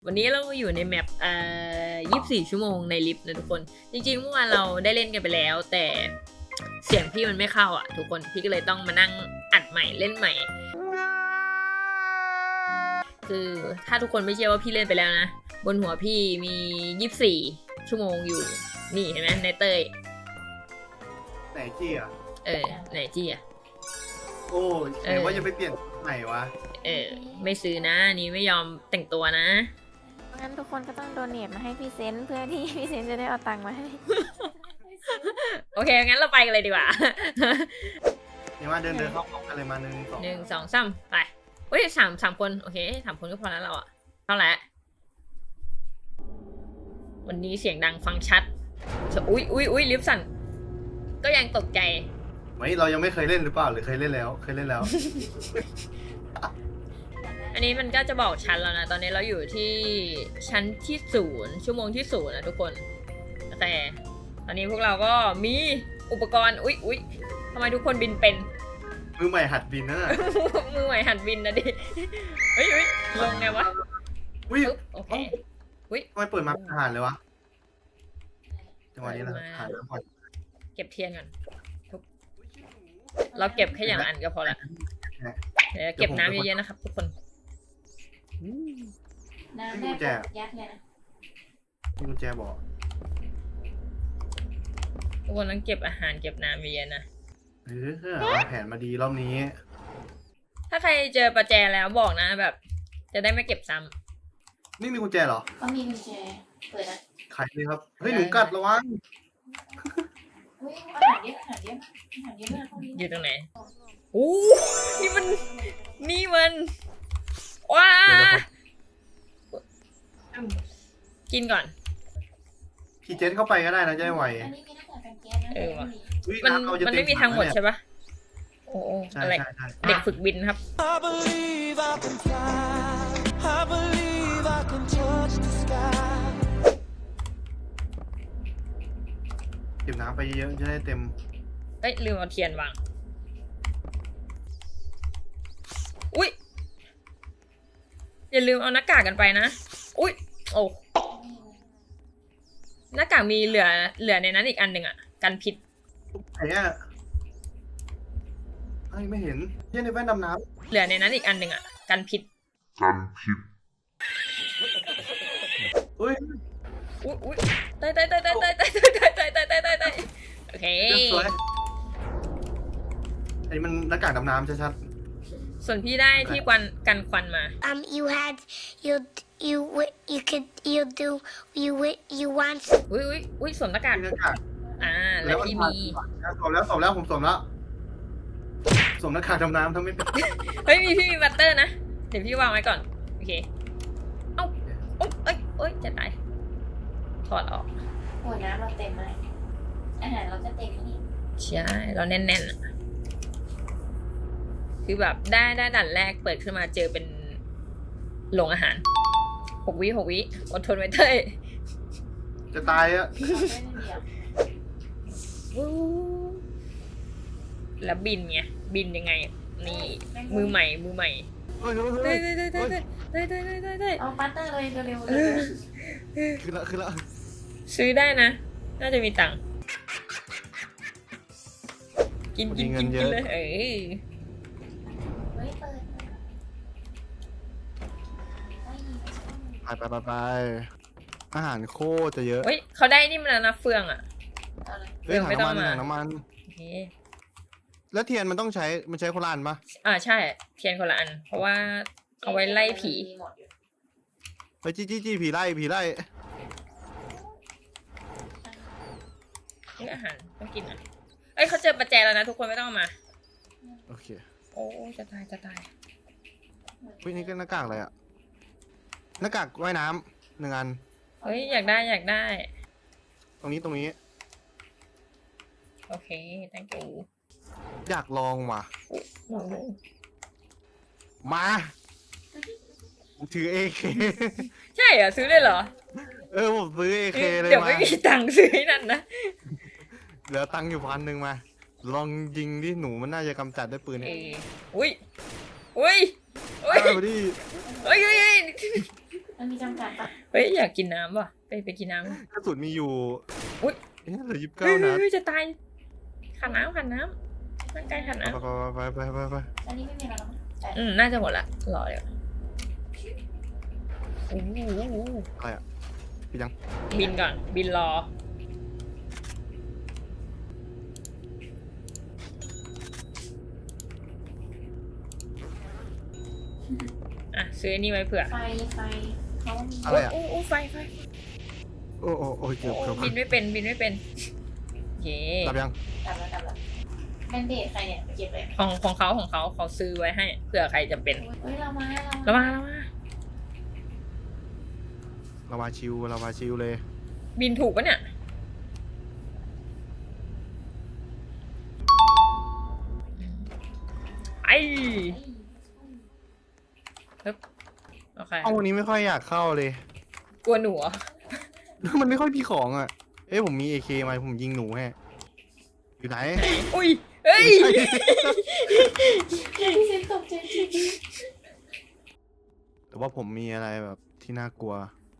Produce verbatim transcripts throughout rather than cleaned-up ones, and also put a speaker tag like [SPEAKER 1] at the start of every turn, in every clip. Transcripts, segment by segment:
[SPEAKER 1] วันนี้เราอยู่ในแมปเอ่อยี่สิบสี่ชั่วโมงในลิฟต์นะทุกคน จริงๆเมื่อวานเราได้เล่นกันไปแล้ว แต่เสียงพี่มันไม่เข้าอ่ะทุกคน พี่ก็เลยต้องมานั่งอัดใหม่เล่นใหม่ คือถ้าทุกคนไม่เชื่อว่าพี่เล่นไปแล้วนะ บนหัวพี่มียี่สิบสี่ชั่วโมงอยู่ นี่เห็นไหมในเตย
[SPEAKER 2] ไหนจี้อ่ะ
[SPEAKER 1] เออไหนจี้อ่ะ
[SPEAKER 2] โอ้ยไหนว่าจะไปเปลี่ยนไหนวะ
[SPEAKER 1] เออไม่ซื้อนะอันนี้ไม่ยอมแต่งตัวนะ
[SPEAKER 3] งั้นทุกคนก็ต้องโดเนทมาให้พี่เซนเพื่อที่พี่เซนจะได้เอาตังค์มาให้
[SPEAKER 1] โอเคงั้นเราไปกันเลยดีกว่า
[SPEAKER 2] นี่ว่าเดินเดินเข้าพร้อมกันเลยมาหนึ่งสอง
[SPEAKER 1] หนึ่งสองสามไปเฮ้ยสามสามคนโอเคสามคนก็พอแล้วเราอะเท่าไหร่วันนี้เสียงดังฟังชัดอุ้ยอุ้ยอุ้ยลิฟต์สั่นก็ยังตกใจ
[SPEAKER 2] ไม่เรายังไม่เคยเล่นหรือเปล่าหรือเคยเล่นแล้วเคยเล่นแล้ว
[SPEAKER 1] อันนี้มันก็จะบอกชั้นแล้วนะตอนนี้เราอยู่ที่ชั้นที่ศูนย์ชั่วโมงที่ศูนย์นะทุกคนแต่ตอนนี้พวกเราก็มีอุปกรณ์อุ๊ยอุ๊ยทำไมทุกคนบินเป็น
[SPEAKER 2] มือใหม่หัดบินนะ
[SPEAKER 1] มือใหม่หัดบินนะดิเฮ้ยเฮ้ยลงไงวะ
[SPEAKER 2] อุ้ย
[SPEAKER 1] ปึ๊บโอเคอุ๊ย
[SPEAKER 2] ทำไมเปิดมาเป็นทหารเลยวะจังหวะนี้นะทหารแล้วก่อน
[SPEAKER 1] เก็บเทียนก่อนทุกเราเก็บแค่อย่างอันก็พอละเดี๋ยวเก็บน้ำเยอะๆนะครับทุกคน
[SPEAKER 3] น้ำแม่ยัดเลยนะ
[SPEAKER 2] นี่กุญแจบอก
[SPEAKER 1] ทุกคนต้องเก็บอาหารเก็บน้ำเยอะๆนะ
[SPEAKER 2] เออวางแผนมาดีรอบนี้
[SPEAKER 1] ถ้าใครเจอประแจแล้วบอกนะแบบ จะได้ไม่เก็บซ้ำ
[SPEAKER 2] นี่มีกุญแจเหรอ
[SPEAKER 3] เขามีกุญแจเปิดอ่ะ
[SPEAKER 2] ใครเลยครับเฮ้ยหนูกัดระวัง
[SPEAKER 3] อุ้ยอาหารเยอะอาหารเยอะอาหารเยอะมากพวกนี้
[SPEAKER 1] อยู่ตรงไหนโอ้นี่มันนี่มันว้า
[SPEAKER 2] เดี๋ยว
[SPEAKER 1] กินก่อน
[SPEAKER 2] พี่เจนเข้าไปก็ได้นะจะได้ไว
[SPEAKER 3] อันนี้มีหน้ากากกันแก๊สนะ
[SPEAKER 1] เออว่ะ
[SPEAKER 2] อุ๊ย
[SPEAKER 1] มัน
[SPEAKER 2] ำเราจะ
[SPEAKER 1] มัน
[SPEAKER 2] เต็
[SPEAKER 1] ไม่มีทางหมด
[SPEAKER 2] ถั
[SPEAKER 1] ใช่ปะโอ้โอ้
[SPEAKER 2] ใช่
[SPEAKER 1] อะไร
[SPEAKER 2] ใช่ใช่
[SPEAKER 1] เด็กฝึกบินครับ
[SPEAKER 4] I believe I can fly. I believe I can touch the sky.
[SPEAKER 2] เก็บน้ำไปเยอะๆจะได้เต็ม
[SPEAKER 1] เอ้ยลืมเอาเทียนวางอุ้ยอย่าลืมเอาหน้ากากกันไปนะอุ้ยโอ้หน้ากากมีเหลือเหลือในนั้นอีกอันหนึ่งอ่ะกันพิษ
[SPEAKER 2] ไหนอ่ะไอ้ไม่เห็นเยี่ยในแว่นดำน้
[SPEAKER 1] เหลือในนั้นอีกอันหนึ่งอ่ะกันพิษ
[SPEAKER 2] ำอุ้ย
[SPEAKER 1] อุ้ยอุ้ยตายตายตายตายตายตายตายตายตายตายตายตายโอเค
[SPEAKER 2] สวยอันนี้มันหน้ากากดำน้ำชัด
[SPEAKER 1] ส่วนพี่ได้ที่ควันกันควันมา
[SPEAKER 5] Um, you had you you wi- you could you do you wi- you want
[SPEAKER 1] อุ้ยอุ้ยอุ้ยสวมหน้ากาก
[SPEAKER 2] ๆหน้ากาก
[SPEAKER 1] อ่าแล้วพี่มี
[SPEAKER 2] สวมแล้วสวมแล้วผมสวมแล้วสวมหน้ากากดำน้ำทำไม่เป็น
[SPEAKER 1] เฮ้ยมีพี่มีบัตเตอร์นะเดี๋ยวพี่วางไว้ก่อนโอเคเอ้าเอ้ยเอ้ยเอ้ยจะตายถอดออก
[SPEAKER 3] โอ้ยน้ำเราเต็มเลยอาหารเราจะเต็มนี่
[SPEAKER 1] ใช่เราแน่นๆอะคือแบบได้ได้ด่านแรกเปิดขึ้นมาเจอเป็นโรงอาหารหกวิหกวิอดทนไว้เต้ย
[SPEAKER 2] จะตายอ่ะ
[SPEAKER 3] เราไม่ได้เดียว
[SPEAKER 1] แล้วบินไงบินยังไง นี่มือใหม่มือใหม่
[SPEAKER 2] เฮ้ยเฮ้ย
[SPEAKER 1] เต้
[SPEAKER 2] เฮ้
[SPEAKER 1] ย
[SPEAKER 2] ย
[SPEAKER 1] เต้ยเต้ยเต้ยเต้ยเต้ยเต้ยเต้ย
[SPEAKER 3] เอาปัตเตอร์เลยเร็วๆ
[SPEAKER 1] เอ
[SPEAKER 3] เลย
[SPEAKER 1] อ
[SPEAKER 2] คือละคือละ
[SPEAKER 1] ซื้อได้นะ น่าจะมีตังค์กินกินกินกินเลยเออ
[SPEAKER 3] เฮ้ยเปิด
[SPEAKER 2] ไปไปไปไปอาหารโคตรจะเยอะ
[SPEAKER 1] เฮ้ยเขาได้นี่มันแล้วนะเฟืองอ่ะ
[SPEAKER 3] เอาเลย
[SPEAKER 2] เฮ้ยถัง
[SPEAKER 1] ไม่ต้อง
[SPEAKER 2] น้ำมัน
[SPEAKER 1] มา
[SPEAKER 2] ถังน้ำมัน
[SPEAKER 1] โอเค
[SPEAKER 2] แล้วเทียนมันต้องใช้มันใช้คนละอันปะ
[SPEAKER 1] อ่าใช่เทียนคนละอัน เพราะว่าเอาไว้ไล่ผี
[SPEAKER 3] มีหมดอยู่
[SPEAKER 2] ไปจี้จี้จี้ผีไล่ผีไล่
[SPEAKER 1] นี่อาหารต้องกินอ่ะเอ้ยเขาเจอประแจแล้วนะทุกคนไม่ต้องเอามา
[SPEAKER 2] โอเค
[SPEAKER 1] โอ้จะตายจะตาย
[SPEAKER 2] เฮ้ยนี่ก็หน้ากากอะไรอะหน้ากากว่ายน้ำหนึ่งอัน
[SPEAKER 1] เฮ้ยอยากได้อยากได้
[SPEAKER 2] ตรงนี้ตรงนี้
[SPEAKER 1] โอเค thank you
[SPEAKER 2] อยากลองว่ะ
[SPEAKER 1] โอ้โห
[SPEAKER 2] มาถือเอเค
[SPEAKER 1] ใช่เหรอซื้อเลยเหรอ
[SPEAKER 2] เออผมซื้อเอเคเลย
[SPEAKER 1] เดี๋ยว
[SPEAKER 2] มา
[SPEAKER 1] ไม่มีตังค์ซื้อให้นั่นนะ
[SPEAKER 2] เหลือตังค์อยู่พันหนึ่งมา ลองยิงที่หนูมันน่าจะกำจัดด้วยปืน
[SPEAKER 1] เอ
[SPEAKER 2] เนี่ย
[SPEAKER 1] ออุ้ยอุ้ยอุ้ย
[SPEAKER 2] เอาดิ
[SPEAKER 1] เฮ้ยเฮ้ยเฮ้ย
[SPEAKER 3] มันมีจำกัดปะ
[SPEAKER 1] เฮ้ยอยากกินน้ำว่ะไปไปกินน้ำ
[SPEAKER 2] กระสุนมีอยู่
[SPEAKER 1] อุ๊ย
[SPEAKER 2] เอ๊ะเหลือยี่สิบ
[SPEAKER 1] เฮ้
[SPEAKER 2] เก้าย นัด
[SPEAKER 1] เฮ้ยจะตายขันน้ำขันน้ำร่างกายขันน้
[SPEAKER 2] ไปไปไปไปไปไป
[SPEAKER 3] อันนี้ไม่มีแล้วมั้ง
[SPEAKER 1] ำอืมน่าจะหมดละรอเดี๋ยวโอ้โห
[SPEAKER 2] อะไรอ่ะพี่ยัง
[SPEAKER 1] บินก่อนบินรออ่ะซื้ออันนี่ไว้เผื่อ
[SPEAKER 3] ไฟไฟเขามี
[SPEAKER 2] อะไรอ่ะ
[SPEAKER 1] โอ้โอ้ไฟไฟ
[SPEAKER 2] โอ้โอ้โอ้ยเกือบเกือบ
[SPEAKER 1] บินไม่เป็นบินไม่เป็นเย่
[SPEAKER 2] รับยัง
[SPEAKER 3] ดับแล้วดับแล้วแบนเดดใครเนี่ยไปเก็บเลย
[SPEAKER 1] ของของเขาของเขาเขาซื้อไว้ให้เผื่อใครจะเป็น
[SPEAKER 3] เฮ้ยเรามา
[SPEAKER 1] แล้วมาแล้วมา
[SPEAKER 2] เรามาชิวเรามาชิวเลย
[SPEAKER 1] บินถูกปะเนี่ยไอ้ฮึบโอเค
[SPEAKER 2] ห้องวันนี้ไม่ค่อยอยากเข้าเลย
[SPEAKER 1] กลัวหนูเหรอ
[SPEAKER 2] มันไม่ค่อยมีของอ่ะ เอ้ยผมมีเอเคมาผมยิงหนูให้อยู่ไหน
[SPEAKER 1] อุ้ยเฮ้ย
[SPEAKER 3] พี่เซนตกใจจริง
[SPEAKER 2] แต่ว่าผมมีอะไรแบบที่น่ากลัว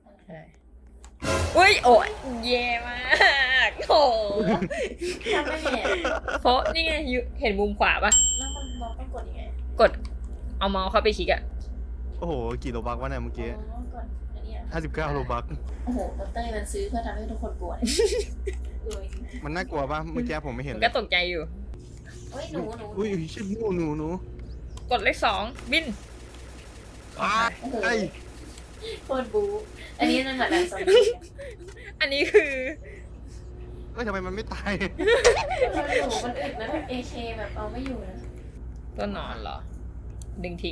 [SPEAKER 1] อุ้ยโอ้ยเย่มากโอ้
[SPEAKER 3] ทำไม่เนี่ย
[SPEAKER 1] เพราะนี่ไงอยู่เห็นมุมขวาปะ
[SPEAKER 3] แล้วมันเราต้องกดยังไง
[SPEAKER 1] กดเอาเมาส์เข้าไปคลิกอะ
[SPEAKER 2] โอ้โห กี่โลบักวะเนี่ยเมื่อกี้
[SPEAKER 3] อ๋อกดอันนี้อ่ะ
[SPEAKER 2] ห้าสิบเก้าโลบัก
[SPEAKER 3] โอ้โหดรมันซื้อเพื่อทำให้ทุกคนกลัวเออ
[SPEAKER 2] มันน่ากลัวปะเมื่อกี้ผมไม่เห็น
[SPEAKER 1] มัน
[SPEAKER 2] เล
[SPEAKER 1] ก็
[SPEAKER 2] ย
[SPEAKER 1] ตกใจอยู่
[SPEAKER 3] เฮ้ยหนูหนู
[SPEAKER 2] อุ้ยอุ้ยชิบหนูหนูหนู
[SPEAKER 1] กดเลขสองบิน
[SPEAKER 2] อ้าไอ้
[SPEAKER 3] โคตรบูอันนี้นั่นแหละแบบซอมบี้
[SPEAKER 1] อันนี้คือ
[SPEAKER 2] เอ้ยทำไมมันไม่ตาย
[SPEAKER 3] หนูมันอึดนะแบบเอเคแบบเอาไม่อยู่นะ
[SPEAKER 1] ตัวนอนเหรอ ดึงทิ้ง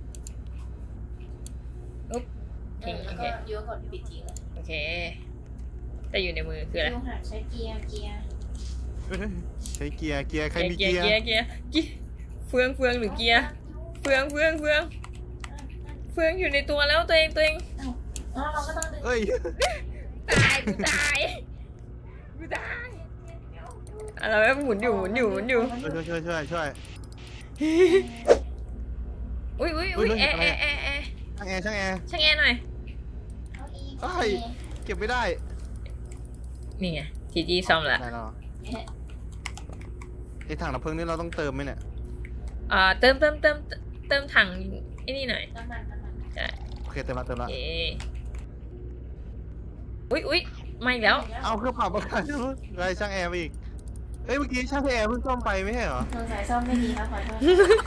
[SPEAKER 1] อุ๊บ
[SPEAKER 3] เอ
[SPEAKER 1] ทิ้ง
[SPEAKER 3] อ
[SPEAKER 1] โอ
[SPEAKER 3] แล้ว
[SPEAKER 1] เค
[SPEAKER 3] ก็ยูกดปิดทิ้งเลย
[SPEAKER 1] โอเค แต่อยู่ในมือคืออะไร
[SPEAKER 3] ยูหักใช้เกียร์เกียร์
[SPEAKER 2] เอ้ยใช้เกียร์เกียร์ใครมี
[SPEAKER 1] เกี
[SPEAKER 2] เกี
[SPEAKER 1] ย
[SPEAKER 2] ย
[SPEAKER 1] ร์
[SPEAKER 2] ร์
[SPEAKER 1] เกียร์เกียร์เฟืองเฟืองหรือเกียร์เฟืองเฟืองเฟืองเฟืองอยู่ในตัวแล้วตัวเองตัวเอง
[SPEAKER 3] อ๋อเราก็ต้องดึง
[SPEAKER 2] เอ้ย
[SPEAKER 1] ตายกูตายกูตายอะไรวะหมุนอยู่หมุนอยู่หมุนอยู่
[SPEAKER 2] ช่วยช่วยช่วยช่วย
[SPEAKER 1] อุ้ยอุ้ยอุ้ย
[SPEAKER 2] เฮ้ย
[SPEAKER 1] แอ
[SPEAKER 2] เฮ้
[SPEAKER 1] ร์
[SPEAKER 2] ย
[SPEAKER 1] แอร์แอร์แอร์
[SPEAKER 2] ช่างแอร์ช่างแอร์
[SPEAKER 1] ช่างแอร์หน่อย
[SPEAKER 3] เอาอีก
[SPEAKER 2] เอ้ย เก็บไม่ได้
[SPEAKER 1] นี่ไงทีจีซ่อมละ
[SPEAKER 2] ได้แล้วไอ้ถังดับเพลิงนี่เราต้องเติมไหมเนี่ย
[SPEAKER 1] อ่าเติมเติมเติมเติมถังไอ้นี่หน่อย
[SPEAKER 3] น้ำมันน้ำมัน
[SPEAKER 1] ใช่
[SPEAKER 2] โอเคเติมละเติมละ
[SPEAKER 1] เออุ้ยอุ้ยมาอีกแล้ว
[SPEAKER 2] เอาเครื่องปรับอากาศไรช่างแอร์ไปอีกเอ้ยเมื่อกี้ช่างแอร์เพิ่งซ่อมไปไม่ใช่เหรอ
[SPEAKER 3] สงสัยซ่อมไม่ดีครับขอโทษ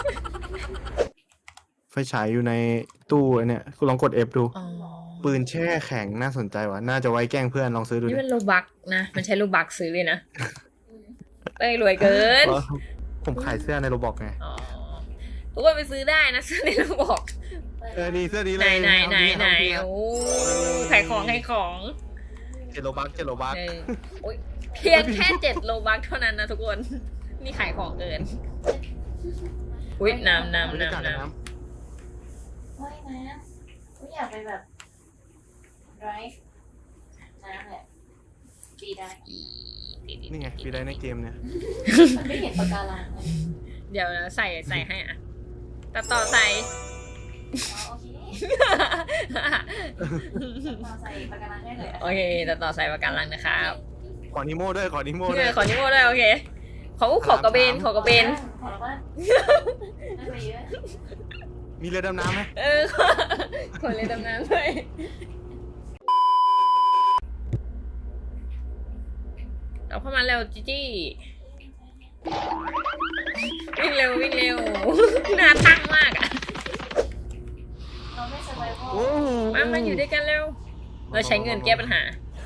[SPEAKER 2] ไฟฉายอยู่ในตู้ไอ้เนี่ยคุณลองกด F ดู
[SPEAKER 1] อ๋อ
[SPEAKER 2] ปืนแช่แข็งน่าสนใจว่ะ น่าจะไว้แกล้งเพื่อนลองซื้อดู
[SPEAKER 1] นี่
[SPEAKER 2] ดิ
[SPEAKER 1] มันโลบักนะ มันใช้โลบักซื้อเลยนะเอ้ยรวยเกิน
[SPEAKER 2] เออผมขายเสื้อในโรบอกไง
[SPEAKER 1] อ๋อทุกคนไปซื้อได้นะซื้อในโลบอก
[SPEAKER 2] เออนี่เสื้อนี้
[SPEAKER 1] ไห
[SPEAKER 2] เล
[SPEAKER 1] น
[SPEAKER 2] ย
[SPEAKER 1] ไหนไหนไหน
[SPEAKER 2] เอา
[SPEAKER 1] โอ้
[SPEAKER 2] ดิ
[SPEAKER 1] ขายของขายของ
[SPEAKER 2] เจ็ดโลบักเจ็ดโลบัก
[SPEAKER 1] เออโอ้ยเพียงแค่เจ็ดโลบักเท่านั้นนะทุกคน นี่ขายของเกิน อุ้ยน้ำน้ำ
[SPEAKER 2] บรรยากาศ
[SPEAKER 1] น้ำ
[SPEAKER 2] ใน
[SPEAKER 1] น้ำ
[SPEAKER 2] น้
[SPEAKER 3] ว่ายน้ำกูอยากไปแบบไรฟ์น้ำแหละปีได้
[SPEAKER 2] ำนี่ไงฟีได้ในเกมเนี่ย
[SPEAKER 3] มันไม่เห็นปะการังเลย
[SPEAKER 1] เดี๋ยวใส่ใส่ให้อ่ะตัดต่อใส่
[SPEAKER 3] อ๋อโอเคมาใส่ปะการังให้เลย
[SPEAKER 1] โอเคตัดต่อใส่ประกันลังนะครับ
[SPEAKER 2] ขอนิโม่ด้วยขอนิโม่
[SPEAKER 1] เอ
[SPEAKER 2] ด้วย
[SPEAKER 1] อขอนิโมด้วยโอเคเขาขอกระเบนขอกระเบน
[SPEAKER 3] ขอแล้วว่าได้ไปเยอะ
[SPEAKER 2] มีเรือดำน้ำไหม
[SPEAKER 1] เออขอขอเลยดำน้ำด้วยเอาเข้ามาเร็วจีจี้วิ่งเร็ววิ่งเร็วหน้าตั้งมากอ่ะ
[SPEAKER 3] เราไม่สบายพอ
[SPEAKER 2] โอ้โห
[SPEAKER 1] มามาอยู่ด้วยกันเร็วเราใช้เงินแก้ปัญหา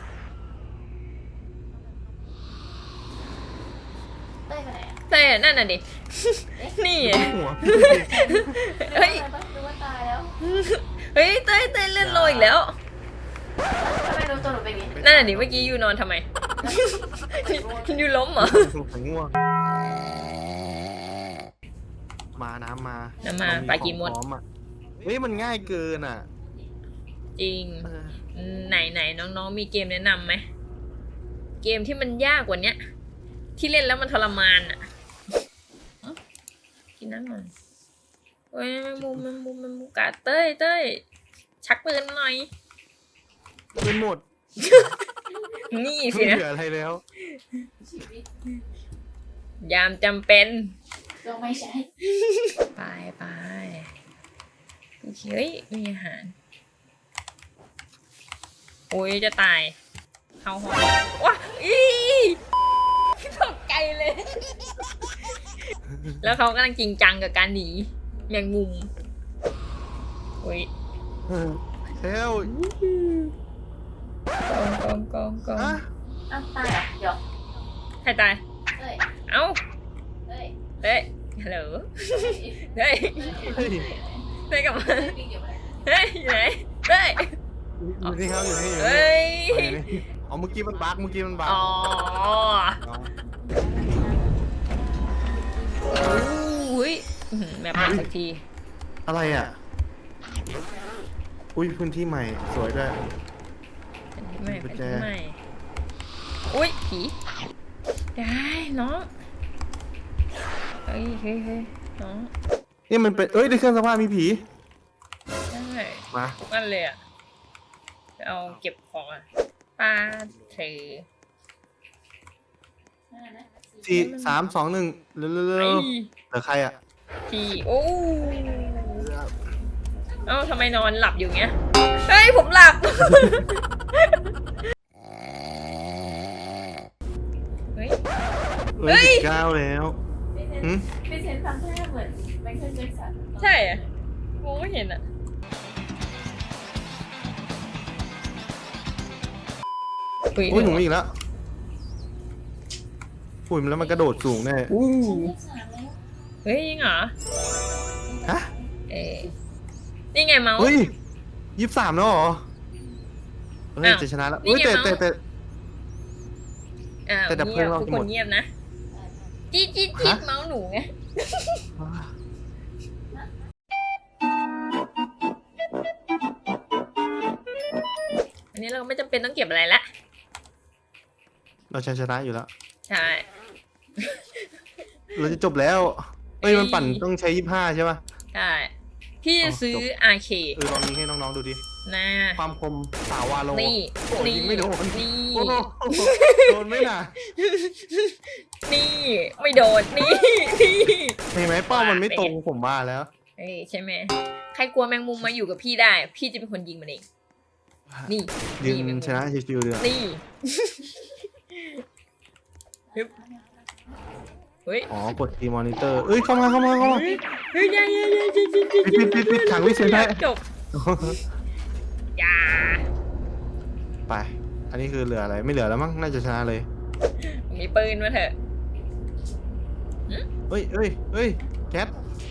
[SPEAKER 3] เต้ยไปไหนอ่ะ
[SPEAKER 1] แต่นั่นน่ะดิ นี่
[SPEAKER 2] หัว
[SPEAKER 1] เฮ้ย
[SPEAKER 3] รู้ว่าตายแล้ว
[SPEAKER 1] เฮ้ยเต้ยเต้ยเล่นโลอีกแล้ว
[SPEAKER 3] ทำไมรู้ตัวหนูเป็นอย่างนี้
[SPEAKER 1] นั่นน่ะดิเมื่อกี้ยูนอนทำไม ยูล้มเหรอ
[SPEAKER 2] ผมง่วงมาน้ำมา
[SPEAKER 1] น้ำมา
[SPEAKER 2] เร
[SPEAKER 1] ปลากีมด
[SPEAKER 2] ของพร้ออะเฮ้ยมันง่ายเกินอ่ะ
[SPEAKER 1] จริง
[SPEAKER 2] เออ
[SPEAKER 1] ไหนไหนน้องๆมีเกมแนะนำไหมเกมที่มันยากกว่าเนี้ย ที่เล่นแล้วมันทรมานอ่ะเอ้ากินน้ำหน่อยโอ้ยแมงมุมแมงมุมแมงมุมกัดเต้ยเต้ยชักปืนมาหน่อย
[SPEAKER 2] เป็นหมด
[SPEAKER 1] นี่สิ
[SPEAKER 2] ไม่
[SPEAKER 1] นะ
[SPEAKER 2] เหลืออะไรแล้ว
[SPEAKER 3] ชีวิต
[SPEAKER 1] ยามจำเป็น
[SPEAKER 3] ก็ไม่ใช่
[SPEAKER 1] ไปไปเฮ้ยมีอาหารโอ้ยจะตายเข้าห้องว้าอีตกใจเลย แล้วเขากำลังจริงจังกับการหนีแมงมุมโอ้ย
[SPEAKER 2] เฮล
[SPEAKER 1] กองกองกองกอง
[SPEAKER 2] อะ
[SPEAKER 3] อ้าวตายเหรอเดี๋ยว
[SPEAKER 1] ใครตาย
[SPEAKER 3] เอ้ย
[SPEAKER 1] เอ้า
[SPEAKER 3] เอ้ย
[SPEAKER 1] เฮ้ยฮัลโหลเฮ้ย
[SPEAKER 2] เฮ้ย
[SPEAKER 1] เฮ้ยกลับมา
[SPEAKER 3] เอ้ยวิ่งเดี๋ยวไป
[SPEAKER 1] เฮ้ยอยู่ไหนเฮ้ย
[SPEAKER 2] อยู่นี่ครับอยู่นี่อยู่นี่
[SPEAKER 1] เฮ้ย
[SPEAKER 2] เอาอยู่นี่อ๋อเมื่อกี้มันบั๊กเมื่อกี้มันบั๊ก
[SPEAKER 1] อ๋อ
[SPEAKER 2] อ๋อ
[SPEAKER 1] อุ้ยอื้อหือแม่ผ่านสักที
[SPEAKER 2] อะไรอ่ะ อุ้ยพื้นที่ใหม่สวยด้วย
[SPEAKER 1] เป็นที่ใหม่
[SPEAKER 2] กุ
[SPEAKER 1] เป็น
[SPEAKER 2] ญแจ
[SPEAKER 1] ที่ใหม่อุ้ยผีได้น้องเฮ้ยเฮ้ยเฮ้ยน้อง
[SPEAKER 2] นี่มันเป็นเอ้ยในเครื่องซักผ้ามีผี
[SPEAKER 1] ได้
[SPEAKER 2] มา
[SPEAKER 1] นั่นเลยอ่ะไปเอาเก็บของอ่ะปลาเท
[SPEAKER 3] นั่นน่ะนะ
[SPEAKER 2] สี่สามสองหนึ่งเร็วๆ
[SPEAKER 1] ไอ้
[SPEAKER 2] ๆเหลือใครอ่ะ
[SPEAKER 1] ผีโอ้เอ้าทำไมนอนหลับอยู่เงี้ยเฮ้ยผมหลับ เฮ้ย
[SPEAKER 2] เอ้ยสิบเก้าแล้ว
[SPEAKER 3] พี่เซน
[SPEAKER 2] หืม
[SPEAKER 3] พี่เซนทำท่าเหมือนไมเคิลแจ็คสัน
[SPEAKER 1] ใช่อะมองไม่เห็นอะ
[SPEAKER 2] อุ้ยหนูอีกแล้วอุ้ยแล้วมันกระโดดสูงแน่
[SPEAKER 1] อู้
[SPEAKER 3] ฉันเลขสามแล้ว
[SPEAKER 1] เฮ้ยจริงเหรอ
[SPEAKER 2] ฮะ
[SPEAKER 1] เอ๊ะนี่ไงเมาส์
[SPEAKER 2] เฮ้ยยี่สิบสามแล้วเหรอเฮ้ย
[SPEAKER 1] อ้าว
[SPEAKER 2] จะชนะแล้ว
[SPEAKER 1] นี่
[SPEAKER 2] เฮ้ย
[SPEAKER 1] ไง
[SPEAKER 2] แต่
[SPEAKER 1] เมาส์
[SPEAKER 2] แต่แต่
[SPEAKER 1] อ้าว
[SPEAKER 2] แต่ดับเพลิ
[SPEAKER 1] เงีย
[SPEAKER 2] ง
[SPEAKER 1] บ
[SPEAKER 2] เรา
[SPEAKER 1] ทุก
[SPEAKER 2] จะ
[SPEAKER 1] ค
[SPEAKER 2] หม
[SPEAKER 1] น
[SPEAKER 2] ด
[SPEAKER 1] เงียบนะจี๊ดจี๊ดจี๊ด
[SPEAKER 2] ฮะ
[SPEAKER 1] เมาส์หนูไงอันนี้เราไม่จำเป็นต้องเก็บอะไรละ
[SPEAKER 2] เราชนะอยู่แล้ว
[SPEAKER 1] ใช่
[SPEAKER 2] เราจะจบแล้วเฮ้ย
[SPEAKER 1] เอ้ย
[SPEAKER 2] มันปั่นต้องใช้ยี่สิบห้าใช่ป่ะ
[SPEAKER 1] ใช่พี่
[SPEAKER 2] อ๋อ
[SPEAKER 1] ซื้อ
[SPEAKER 2] จบ
[SPEAKER 1] อาร์เค
[SPEAKER 2] เออลองยิงให้น้องๆดูดิ
[SPEAKER 1] นะ
[SPEAKER 2] ความคมสาววาโล
[SPEAKER 1] นี่
[SPEAKER 2] โอ้ย
[SPEAKER 1] นี่
[SPEAKER 2] ยิงไม่โดน
[SPEAKER 1] นี่
[SPEAKER 2] โอ้โหโดนไหมน่ะ
[SPEAKER 1] นี่ไม่โดนนี่นี่
[SPEAKER 2] เห็นไหมเป้ามันไม่ตรงผมว่าแล้ว
[SPEAKER 1] เอ้ยใช่ไหมใครกลัวแมงมุมมาอยู่กับพี่ได้ พี่จะเป็นคนยิงมันเอง นี่
[SPEAKER 2] ยื
[SPEAKER 1] นี่แมง
[SPEAKER 2] น
[SPEAKER 1] มุม
[SPEAKER 2] ชนะชิวๆเลยอะ
[SPEAKER 1] นี่ฮึบเฮ้ย
[SPEAKER 2] อ๋อกดทีมอนิเตอร์เอ้ยเข้ามาเข้ามาเข้ามา
[SPEAKER 1] เฮ้ยเฮ้ยอย่าอย่าอย่าอย่าอย่าอย่า
[SPEAKER 2] ปิดปิดปิดปิดขังวิเศษได้
[SPEAKER 1] จบอย่า
[SPEAKER 2] ไป อันนี้คือเหลืออะไรไม่เหลือแล้วมั้งน่าจะชนะเลย
[SPEAKER 1] มีปืนมาเถอะ
[SPEAKER 2] เฮ้ยเฮ้ยเฮ้ยแคท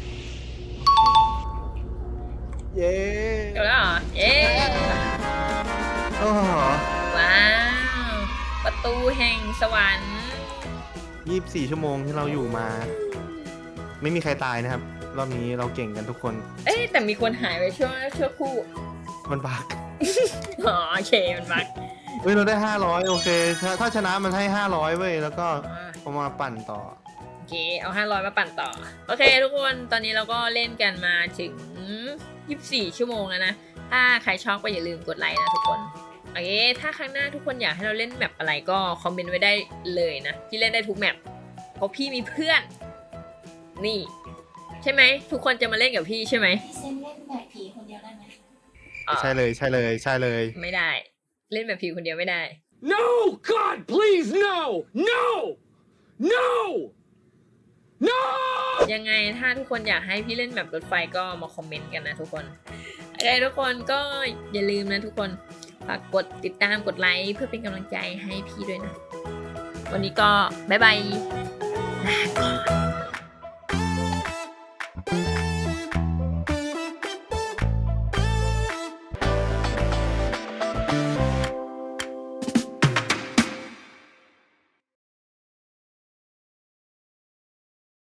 [SPEAKER 2] เย้
[SPEAKER 1] จบแล้วเหรอเย้
[SPEAKER 2] โอ้โห
[SPEAKER 1] ว้าวประตูแห่งสวรรค์
[SPEAKER 2] ยี่สิบสี่ชั่วโมงที่เราอยู่มา ไม่มีใครตายนะครับ รอบนี้เราเก่งกันทุกคน
[SPEAKER 1] เอ๊ะแต่มีคนหายไปช่วงช่วงคู่
[SPEAKER 2] มันบัก
[SPEAKER 1] อ๋อโอเคมันบัก
[SPEAKER 2] เฮ้ยเราได้ห้าร้อยโอเคถ้าถ้าชนะมันให้ห้าร้อยเว้ยแล้วก็
[SPEAKER 1] อ่า
[SPEAKER 2] เอามาปั่นต่อ
[SPEAKER 1] โอเค เอาห้าร้อยมาปั่นต่อ โอเค ทุกคน ตอนนี้เราก็เล่นกันมาถึงยี่สิบสี่ชั่วโมงแล้วนะ ถ้าใครชอบก็อย่าลืมกดไลค์นะทุกคน โอเค ถ้าครั้งหน้าทุกคนอยากให้เราเล่นแมปอะไรก็คอมเมนต์ไว้ได้เลยนะ พี่เล่นได้ทุกแมปเพราะพี่มีเพื่อน นี่ ใช่ไหม ทุกคนจะมาเล่นกับพี่ใช่ไหม
[SPEAKER 3] พี่เซนเล่นแบบผีคนเดียวได้ไหม
[SPEAKER 1] อ่า
[SPEAKER 2] ใช่เลยใช่เลยใช่เลย
[SPEAKER 1] ไม่ได้ เล่นแบบพี่คนเดียวไม่ได้
[SPEAKER 6] No! God, please, no! No! No! No!
[SPEAKER 1] ยังไงถ้าทุกคนอยากให้พี่เล่นแบบรถไฟก็มาคอมเมนต์กันนะทุกคนโอเคทุกคนก็อย่าลืมนะทุกคนฝากกดติดตามกดไลค์เพื่อเป็นกำลังใจให้พี่ด้วยนะ วันนี้ก็บ๊ายบายลาก่อน